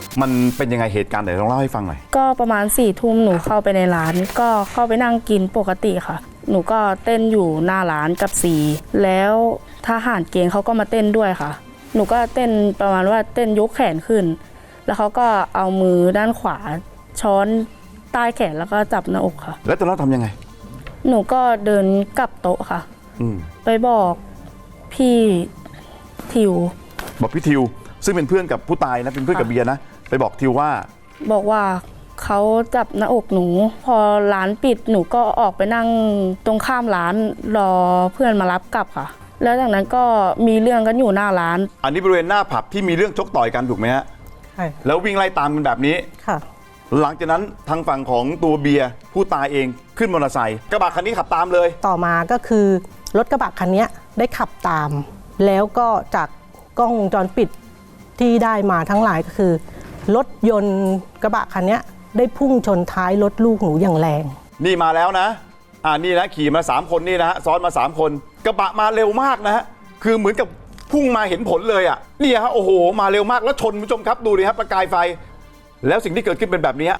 มันเป็นยังไงเหตุการณ์ไหนลองเล่าให้ฟังหน่อยก็ประมาณ4 ทุ่มหนูเข้าไปในร้านก็เข้าไปนั่งกินปกติค่ะหนูก็เต้นอยู่หน้าร้านกับซีแล้วทหารเกณฑ์เขาก็มาเต้นด้วยค่ะหนูก็เต้นประมาณว่าเต้นยกแขนขึ้นแล้วเขาก็เอามือด้านขวาช้อนใต้แขนแล้วก็จับหน้าอกค่ะแล้วตอนนั้นทำยังไงหนูก็เดินกลับโต๊ะค่ะไปบอกพี่ทิวบอกพี่ทิวซึ่งเป็นเพื่อนกับผู้ตายนะเป็นเพื่อนกับเบียร์นะไปบอกทิวว่าบอกว่าเขาจับหน้าอกหนูพอร้านปิดหนูก็ออกไปนั่งตรงข้ามร้านรอเพื่อนมารับกลับค่ะแล้วจากนั้นก็มีเรื่องกันอยู่หน้าร้านอันนี้บริเวณหน้าผับที่มีเรื่องชกต่อยกันถูกไหมฮะใช่แล้ววิ่งไล่ตามกันแบบนี้ค่ะหลังจากนั้นทางฝั่งของตัวเบียร์ผู้ตายเองขึ้นมอเตอร์ไซค์กระบะคันนี้ขับตามเลยต่อมาก็คือรถกระบะคันนี้ได้ขับตามแล้วก็จากกล้องวงจรปิดที่ได้มาทั้งหลายก็คือรถยนต์กระบะคันนี้ได้พุ่งชนท้ายรถลูกหนูอย่างแรงนี่มาแล้วนะนี่นะขี่มา3คนนี่นะฮะซ้อนมา3คนกระบะมาเร็วมากนะฮะคือเหมือนกับพุ่งมาเห็นผลเลยอ่ะนี่ฮะโอ้โหมาเร็วมากแล้วชนผู้ชมครับดูดิครับประกายไฟแล้วสิ่งที่เกิดขึ้นเป็นแบบนี้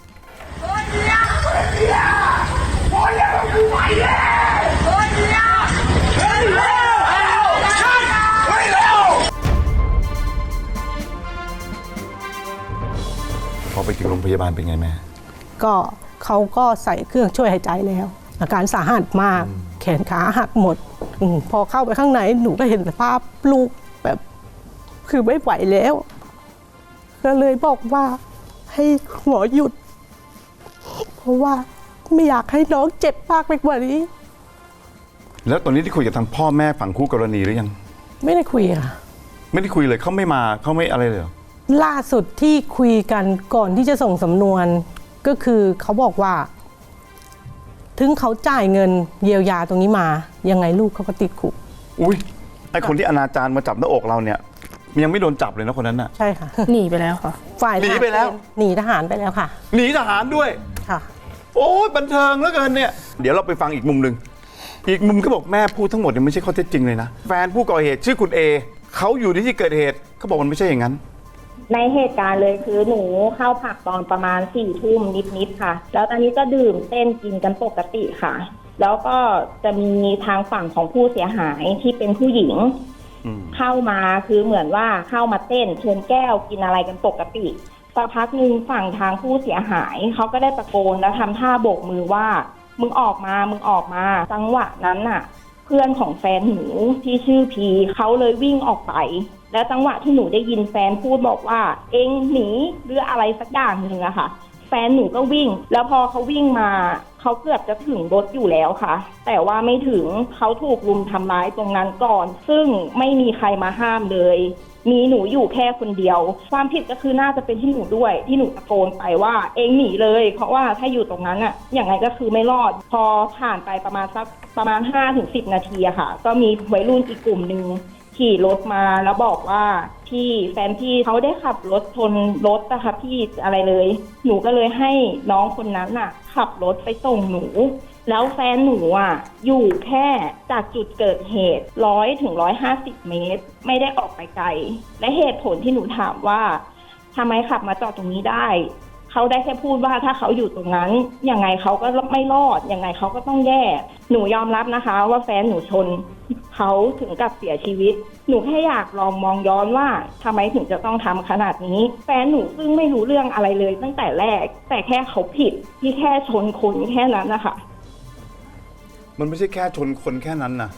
พอไปถึงโรงพยาบาลเป็นไงแม่ก็เขาก็ใส่เครื่องช่วยหายใจแล้วอาการสาหัสมากแขนขาหักหมดพอเข้าไปข้างในหนูก็เห็นสภาพลูกแบบคือไม่ไหวแล้วก็เลยบอกว่าให้หมอหยุดเพราะว่าไม่อยากให้น้องเจ็บมากไปกว่านี้แล้วตอนนี้ที่คุยกับทางพ่อแม่ฝั่งคู่กรณีหรือยังไม่ได้คุยค่ะไม่ได้คุยเลยเขาไม่มาเขาไม่อะไรเลยล่าสุดที่คุยกันก่อนที่จะส่งสำนวนก็คือเขาบอกว่าถึงเขาจ่ายเงินเยียวยาตรงนี้มายังไงลูกเขาก็ติดคุกอุ้ยไอคนที่อนาจารมาจับหน้าอกเราเนี่ยยังไม่โดนจับเลยนะคนนั้นน่ะใช่ค่ะหนีไปแล้วค่ะฝ่ายหนีไปแล้วหนีทหารไปแล้วค่ะหนีทหารด้วยค่ะโอ้ยบันเทิงเหลือเกินเนี่ยเดี๋ยวเราไปฟังอีกมุมหนึ่งอีกมุมก็บอกแม่พูดทั้งหมดเนี่ยไม่ใช่ข้อเท็จจริงเลยนะแฟนผู้ก่อเหตุชื่อคุณเอเขาอยู่ในที่เกิดเหตุเขาบอกมันไม่ใช่อย่างนั้นในเหตุการณ์เลยคือหนูเข้าผับตอนประมาณ4 ทุ่มนิดๆค่ะแล้วตอนนี้ก็ดื่มเต้นกินกันปกติค่ะแล้วก็จะมีทางฝั่งของผู้เสียหายที่เป็นผู้หญิงเข้ามาคือเหมือนว่าเข้ามาเต้นชนแก้วกินอะไรกันปกติสักพักหนึ่งฝั่งทางผู้เสียหายเขาก็ได้ตะโกนแล้วทำท่าโบกมือว่ามึงออกมามึงออกมาจังหวะนั้นน่ะเพื่อนของแฟนหนูที่ชื่อพีเขาเลยวิ่งออกไปแล้วจังหวะที่หนูได้ยินแฟนพูดบอกว่าเอ็งหนีหรืออะไรสักอย่างหนึ่งอะค่ะแฟนหนูก็วิ่งแล้วพอเขาวิ่งมาเขาเกือบจะถึงรถอยู่แล้วค่ะแต่ว่าไม่ถึงเขาถูกรุมทำร้ายตรงนั้นก่อนซึ่งไม่มีใครมาห้ามเลยมีหนูอยู่แค่คนเดียวความผิดก็คือน่าจะเป็นที่หนูด้วยที่หนูตะโกนไปว่าเอ็งหนีเลยเพราะว่าถ้าอยู่ตรงนั้นอะอย่างไรก็คือไม่รอดพอผ่านไปประมาณ 5-10 นาทีอะค่ะก็มีวัยรุ่นอีกกลุ่มนึงขี่รถมาแล้วบอกว่าพี่แฟนพี่เขาได้ขับรถชนรถนะคะพี่อะไรเลยหนูก็เลยให้น้องคนนั้นน่ะขับรถไปส่งหนูแล้วแฟนหนูอ่ะอยู่แค่จากจุดเกิดเหตุ100 ถึง 150 เมตรไม่ได้ออกไปไกลและเหตุผลที่หนูถามว่าทำไมขับมาจอดตรงนี้ได้เขาได้แค่พูดว่าถ้าเขาอยู่ตรงนั้นยังไงเขาก็ไม่รอดยังไงเขาก็ต้องแย่หนูยอมรับนะคะว่าแฟนหนูชนเขาถึงกับเสียชีวิตหนูแค่อยากลองมองย้อนว่าทำไมถึงจะต้องทำขนาดนี้แฟนหนูซึ่งไม่รู้เรื่องอะไรเลยตั้งแต่แรกแต่แค่เขาผิดที่แค่ชนคนแค่นั้นนะคะมันไม่ใช่แค่ชนคนแค่นั้นนะ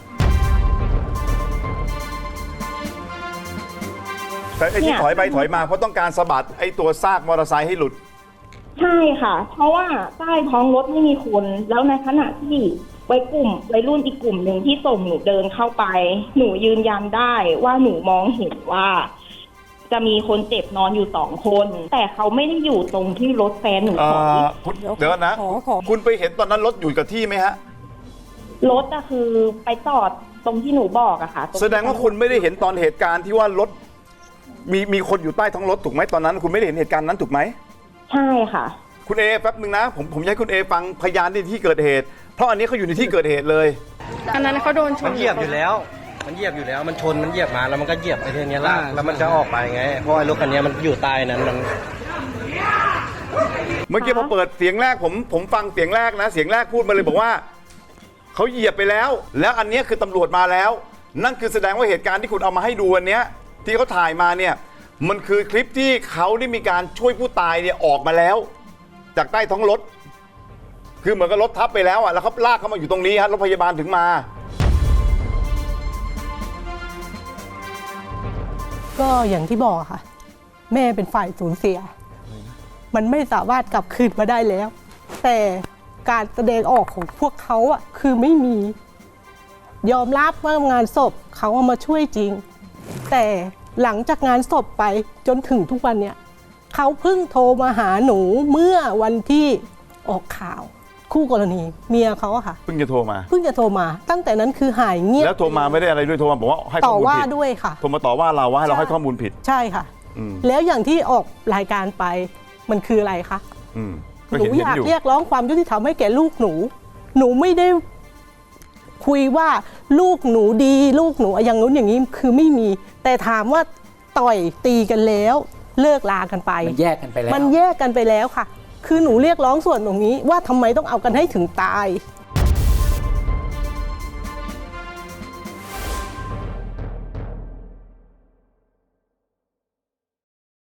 แต่ไอ้ที่ถอยไปถอยมาเพราะต้องการสะบัดไอ้ตัวซากมอเตอร์ไซค์ให้หลุดใช่ค่ะเพราะว่าใต้ท้องรถไม่มีคนแล้วในขณะที่วัยรุ่นอีกกลุ่มหนึ่งที่ส่งหนูเดินเข้าไปหนูยืนยันได้ว่าหนูมองเห็นว่าจะมีคนเจ็บนอนอยู่2 คนแต่เขาไม่ได้อยู่ตรงที่รถแฟนหนูถอยเดี๋ยวนะคุณไปเห็นตอนนั้นรถอยู่กับที่ไหมฮะรถก็คือไปจอดตรงที่หนูบอกอะค่ะแสดงว่าคุณไม่ได้เห็นตอนเหตุการณ์ที่ว่ารถมีคนอยู่ใต้ท้องรถถูกไหมตอนนั้นคุณไม่ได้เห็นเหตุการณ์นั้นถูกไหมใช่ค่ะคุณเอแป๊บนึงนะผมอยากให้คุณเอฟังพยานที่เกิดเหตุเพราะอันนี้เขาอยู่ในที่เกิดเหตุเลยอันนั้นเขาโดนชนมันเหยียบอยู่แล้วมันเหยียบมันชนมันเหยียบมาแล้วมันก็เหยียบไอ้เทียนี้ลากแล้วมันจะออกไปไงเพราะไอ้รถคันนี้มันอยู่ใต้นั้นมันเมื่อกี้พอเปิดเสียงแรกผมฟังเสียงแรกนะเสียงแรกพูดมาเลยบอกว่าเขาเหยียบไปแล้วแล้วอันเนี้ยคือตำรวจมาแล้ว นั่นคือแสดงว่าเหตุการณ์ที่คุณเอามาให้ดูวันเนี้ยที่เขาถ่ายมาเนี่ยมันคือคลิปที่เขาได้มีการช่วยผู้ตายเนี่ยออกมาแล้ว จากใต้ท้องรถคือเหมือนกับรถทับไปแล้วอ่ะแล้วเขาลากเขามาอยู่ตรงนี้ฮะรถพยาบาลถึงมาก็อย่างที่บอกอะค่ะ แม่เป็นฝ่ายสูญเสีย มันไม่สามารถกลับคืนมาได้แล้ว แต่การแสดงออกของพวกเขาอะคือไม่มี ยอมรับว่างานศพเขาเอามาช่วยจริง แต่หลังจากงานศพไปจนถึงทุกวันเนี่ยเขาเพิ่งโทรมาหาหนูเมื่อวันที่ออกข่าว คู่กรณีเมียเขาอะค่ะเพิ่งจะโทรมาเพิ่งจะโทรมาตั้งแต่นั้นคือหายเงียบแล้วโทรมาไม่ได้อะไรด้วยโทรมาบอกว่าให้ข้ต่ออมูลว่าผิดด้วยค่ะโทรมาต่อว่าเราว่าให้เราให้ข้อมูลผิดใช่ค่ะอืมแล้วอย่างที่ออกรายการไปมันคืออะไรคะอืมก็หนูเห็นอยากอยู่เรียกร้องความยุติธรรมให้แก่ลูกหนู หนูไม่ได้คุยว่าลูกหนูดีลูกหนูอย่างนู้นอย่างนี้คือไม่มี แต่ถามว่าต่อยตีกันแล้วเลิกลากันไปมันแยกกันไปแล้วมันแยกกันไปแล้วค่ะ คือหนูเรียกร้องส่วนตรงนี้ว่าทำไมต้องเอากันให้ถึงตาย